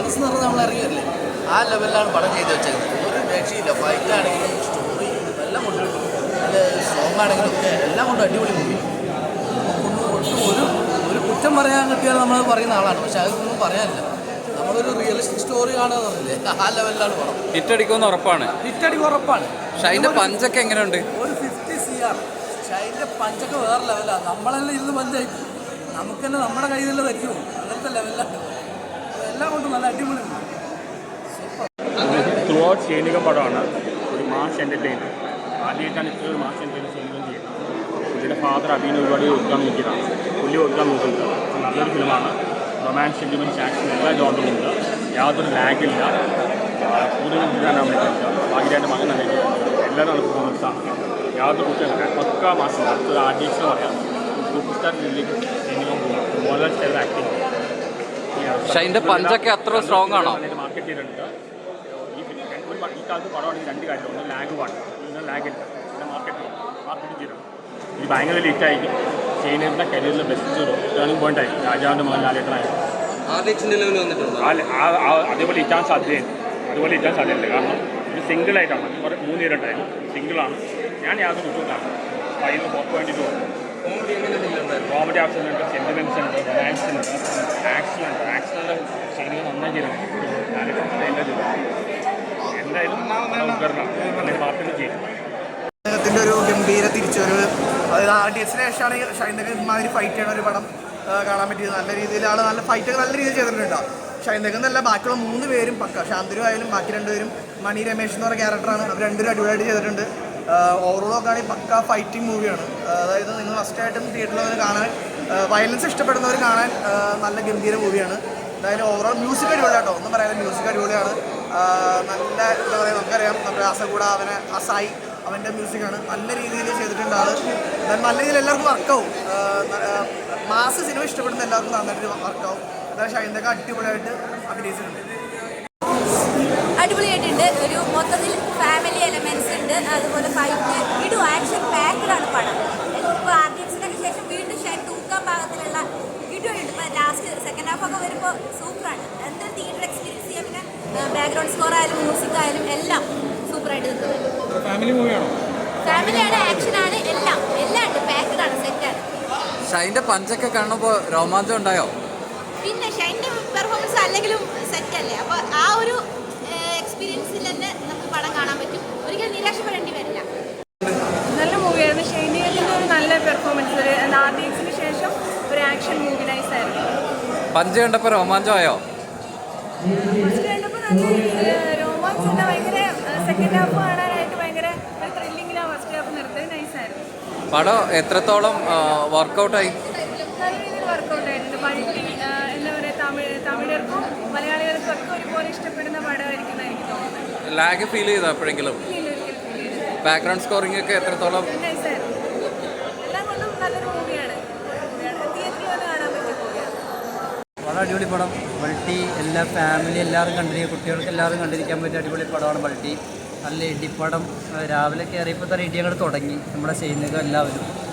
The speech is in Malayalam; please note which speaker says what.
Speaker 1: റിയലിസം എന്ന് പറഞ്ഞാൽ നമ്മൾ ഇറങ്ങിയല്ലേ ആ ലെവലിലാണ് പടം ചെയ്ത് വെച്ചേക്കുന്നത്. ഒരു രക്ഷയില്ല. ഫൈറ്റ് ആണെങ്കിലും സ്റ്റോറി എല്ലാം കൊണ്ടും നല്ല സോങ് ആണെങ്കിലും ഒക്കെ എല്ലാം കൊണ്ടും അടിപൊളി മൂവി. ഒട്ടും ഒരു കുറ്റം പറയാൻ കിട്ടിയാൽ നമ്മൾ പറയുന്ന ആളാണ്. പക്ഷെ അതൊന്നും പറയാനില്ല. നമ്മളൊരു റിയലിസ്റ്റിക് സ്റ്റോറി കാണുക പറഞ്ഞില്ലേ ആ ലെവലിലാണ് പടം.
Speaker 2: ഹിറ്റടിക്കുമെന്ന് ഉറപ്പാണ്.
Speaker 1: ഹിറ്റടിക്ക് ഉറപ്പാണ്.
Speaker 2: ഷൈൻ്റെ പഞ്ചൊക്കെ എങ്ങനെയുണ്ട്?
Speaker 1: ഒരു 50 CR. ഷൈൻ്റെ പഞ്ചൊക്കെ വേറെ ലെവലാണ്. നമ്മളെല്ലാം ഇരുന്ന് പഞ്ചായി നമുക്ക് തന്നെ നമ്മുടെ കയ്യിൽ തന്നെ തരുമോ അങ്ങനത്തെ ലെവലിലാണ്. എല്ലാം കൊണ്ടും നല്ല അടിപൊളി.
Speaker 3: ത്രൂ ഔട്ട് സൈനിക പടമാണ്. ഒരു മാസ് എൻ്റർടൈനർ. ആദ്യമായിട്ടാണ് ഇത്ര ഒരു മാസ് എൻ്റർടൈനർ സൈനികം ചെയ്യുന്നത്. പുള്ളിയുടെ ഫാദർ അഭിനയ ഒരുപാട് ഒതുക്കാൻ നോക്കിയതാണ്. പുള്ളി ഒതുക്കാൻ നോക്കുന്നത് നല്ലൊരു ഫിലിമാണ്. റൊമാൻസ്, സെൻറ്റിമെൻറ്റ്സ്, ആക്ഷൻ എല്ലാ ജോണ്ടറുമുണ്ട്. യാതൊരു ലാഗില്ല. കൂടുതൽ എടുക്കാനാണ് പറ്റില്ല. ഭാഗ്യമായിട്ട് മകൻ നന്നായിട്ട് എല്ലാവരും നല്ല പെർഫോമൻസാണ്. യാതൊരു കുറ്റമില്ല. പക്കാ മാസം അടുത്തത് ആർട്ടിസ്റ്റ് പറയാം. സൂപ്പർ സ്റ്റാർ ജില്ലയിലേക്ക് സൈനികം പോകും. Mohanlal style acting.
Speaker 2: ഷൈൻ്റെ പഞ്ചൊക്കെ അത്ര സ്ട്രോങ് ആണോ?
Speaker 3: മാർക്കറ്റ് ചെയ്തിട്ടുണ്ട്. ഈ കാലത്ത് പടമാണെങ്കിൽ രണ്ട് കാര്യമില്ല. ഒന്ന് ലാഗ് പാടില്ല, ഒന്ന് ലാഗില്ല. പിന്നെ മാർക്കറ്റിംഗ് ചെയ്യണം. ഇത് ഭയങ്കര ലേറ്റായിരിക്കും. ചൈനയുടെ കരിയറിലെ ബെസ്റ്റ് ടേണിംഗ് പോയിന്റ് ആയിരിക്കും. രാജാവിൻ്റെ മകൻ ലാലേട്ടനായിരുന്നു. അതേപോലെ ഇറ്റാൻ സാധ്യതയുണ്ട്. കാരണം ഇത് സിംഗിളായിട്ടാണ്. കുറേ 3 പേരുണ്ടായിരുന്നു. സിംഗിളാണ്. ഞാൻ യാതൊരു കുറ്റമില്ലാണ്. 4.2 കോമഡി ആപ്ഷനുണ്ട്, സെൻറ്റിമെൻറ്റ്സ് ഉണ്ട്, റൊമാൻസ് ഉണ്ട്, ആക്ഷനുണ്ട്. ശരിക്കും നന്നായി ചെയ്തിട്ടുണ്ട്. എന്തായാലും ഉപകരണം അല്ലെങ്കിൽ മാർക്കറ്റ് ചെയ്യും.
Speaker 4: അദ്ദേഹത്തിൻ്റെ ഒരു ഗംഭീര തിരിച്ചുവരവ്. അതായത് RDXന് ശേഷമാണ് ഷൈൻദക്ക് ഇമാതിരി ഫൈറ്റ് ചെയ്യണ ഒരു പടം കാണാൻ പറ്റിയത്. നല്ല രീതിയിലാണ്. നല്ല ഫൈറ്റൊക്കെ നല്ല രീതിയിൽ ചെയ്തിട്ടുണ്ട്. ഷൈൻദക്ക് എന്നല്ല, ബാക്കിയുള്ള 3 പേരും പക്ക. ശാന്തരു ആയാലും ബാക്കി 2 പേരും, മണി രമേശ് എന്ന് പറഞ്ഞ ക്യാരക്ടറാണ്. അവർ 2 പേരും അടിപൊളിയായിട്ട് ചെയ്തിട്ടുണ്ട്. ഓവറോൾ നോക്കുകയാണെങ്കിൽ പക്ക ഫൈറ്റിംഗ് മൂവിയാണ്. അതായത് നിങ്ങൾ ഫസ്റ്റായിട്ടും തിയേറ്ററിൽ കാണാൻ, വയലൻസ് ഇഷ്ടപ്പെടുന്നവർ കാണാൻ നല്ല ഗംഭീര മൂവിയാണ്. അതായത് ഓവറോൾ മ്യൂസിക് അടിപൊളിയാണ് കേട്ടോ. ഒന്നും പറയാതെ മ്യൂസിക് അടിപൊളിയാണ്. നല്ല എന്താ പറയുക, നമുക്കറിയാം നമ്മുടെ അസകൂട അസായി അവൻ്റെ മ്യൂസിക്കാണ്. നല്ല രീതിയിൽ ചെയ്തിട്ടുണ്ട് ആൾ. നല്ല രീതിയിൽ എല്ലാവർക്കും വർക്കാവും. മാസ് സിനിമ ഇഷ്ടപ്പെടുന്ന എല്ലാവർക്കും നന്നായിട്ട് വർക്കാവും. അതായത് ഷൈൻദക്ക് അടിപൊളിയായിട്ട് അഭിനയിച്ചിട്ടുണ്ട്.
Speaker 5: അടിപൊളിയായിട്ടുണ്ട്. ഒരു മൊത്തത്തിൽ ഫാമിലി എലമെൻറ്റ്സ് ഉണ്ട്. അതുപോലെ ഫൈറ്റ് ഇടും ആക്ഷൻ പാക്കിലാണ് പടം. ഇപ്പോൾ RDXനൊക്കെ ശേഷം വീണ്ടും ഷൈൻ തൂക്കാൻ പാകത്തിലുള്ള ഇടുണ്ട്. ഇപ്പോൾ ലാസ്റ്റ് സെക്കൻഡ് ഹാഫൊക്കെ വരുമ്പോൾ സൂപ്പറാണ്. എന്തൊരു തിയേറ്റർ എക്സ്പീരിയൻസ് ചെയ്യാൻ. പിന്നെ ബാക്ക്ഗ്രൗണ്ട് സ്കോർ ആയാലും മ്യൂസിക് ആയാലും എല്ലാം സൂപ്പറായിട്ട് നിൽക്കുന്നത്.
Speaker 3: ഫാമിലി മൂവിയാണോ?
Speaker 5: ഫാമിലിയാണ്, ആക്ഷനാണ്, എല്ലാം ഉണ്ട്. പാക്കഡാണ്, സെറ്റാണ്.
Speaker 2: ഷൈൻ്റെ പഞ്ചൊക്കെ കാണുമ്പോൾ രോമാഞ്ചം ഉണ്ടായോ?
Speaker 5: പിന്നെ ഷൈൻ്റെ പെർഫോമൻസ് അല്ലെങ്കിലും സെറ്റല്ലേ. അപ്പോൾ ആ ഒരു എക്സ്പീരിയൻസിൽ തന്നെ നമുക്ക് പടം കാണാൻ പറ്റും. ഒരിക്കലും നിരാശപ്പെടേണ്ടി വരില്ല.
Speaker 6: നല്ല മൂവിയായിരുന്നു. ഷൈനികത്തിൻ്റെ ഒരു നല്ല പെർഫോമൻസ്. RDXന് ശേഷം ഒരു ആക്ഷൻ മൂവി നൈസായിരുന്നു.
Speaker 2: പഞ്ച് കണ്ടപ്പോൾ രോമാഞ്ചമായോ?
Speaker 6: ഫസ്റ്റ് കണ്ടപ്പോൾ നല്ല രോമാഞ്ച് തന്നെ. ഭയങ്കര സെക്കൻഡ് ഹാഫ് കാണാനായിട്ട് ഭയങ്കര ഒരു ത്രില്ലിങ്ങിലാണ് ഫസ്റ്റ് ഹാഫ് നിർത്തിയത്. നൈസായിരുന്നു.
Speaker 2: പടം എത്രത്തോളം വർക്കൗട്ടായി?
Speaker 6: നല്ല രീതിയിൽ വർക്കൗട്ട് ആയിട്ടുണ്ട്. മൾട്ടി എന്താ പറയുക, തമിഴർക്കും മലയാളികൾക്കും ഒക്കെ ഒരുപോലെ ഇഷ്ടപ്പെടുന്ന പടമായിരിക്കും എനിക്ക് തോന്നുന്നത്.
Speaker 2: ലാഗ് ഫീൽ ചെയ്തോ എപ്പോഴെങ്കിലും? ബാക്ക്ഗ്രൗണ്ട് സ്കോറിംഗ് ഒക്കെ എത്രത്തോളം?
Speaker 6: നൈസായിരുന്നു. എല്ലാം കൊണ്ടും നല്ലൊരു മൂവിയാണ്. തിയേറ്ററിൽ വന്ന് കാണാൻ പറ്റിയ മൂവിയാണ്.
Speaker 7: വളരെ അടിപൊളി പടം. മൾട്ടി എല്ലാ ഫാമിലി എല്ലാവരും കണ്ടിരിക്കുക, കുട്ടികൾക്ക് എല്ലാവരും കണ്ടിരിക്കാൻ പറ്റിയ അടിപൊളി പടമാണ് മൾട്ടി. നല്ല ഇടിപ്പടം. രാവിലെ കയറിയപ്പോൾ തന്നെ ഇടി അങ്ങോട്ട് തുടങ്ങി നമ്മുടെ സൈനികം എല്ലാവരും.